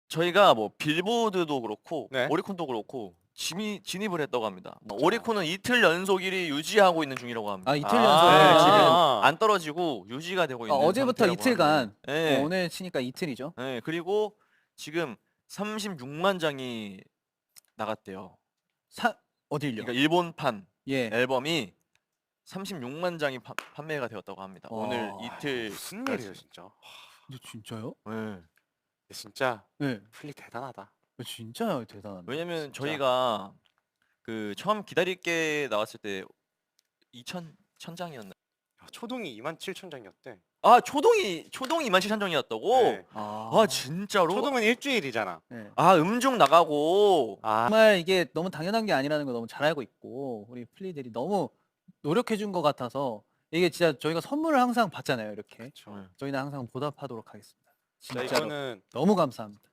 저희가 뭐 빌보드도 그렇고 네. 오리콘도 그렇고 진입을 했다고 합니다. 뭐 진짜요? 오리콘은 이틀 연속 1위 유지하고 있는 중이라고 합니다. 아 이틀 아, 연속이면 네, 지금 아. 안 떨어지고 유지가 되고 있는 어제부터 상태라고 이틀간 하는데. 네. 오늘 치니까 이틀이죠. 네, 그리고 지금 36만 장이 나갔대요. 어딜요? 그러니까 일본판 예. 앨범이 36만 장이 판매가 되었다고 합니다. 와. 오늘 이틀. 무슨 일이에요 진짜. 근데 진짜요? 네. 진짜 네. 플리 대단하다. 진짜 대단한데. 왜냐면 진짜. 저희가 그 처음 기다릴게 나왔을 때 1000장이었나? 초동이 27,000장이었대. 아, 초동이 27,000장이었다고? 네. 아, 진짜로? 초동은 일주일이잖아. 네. 아, 음중 나가고. 아, 정말 이게 너무 당연한 게 아니라는 거 너무 잘 알고 있고 우리 플리들이 너무 노력해 준 것 같아서 이게 진짜 저희가 선물을 항상 받잖아요 이렇게. 그렇죠. 네. 저희는 항상 보답하도록 하겠습니다. 진짜 진짜로 이거는 너무 감사합니다.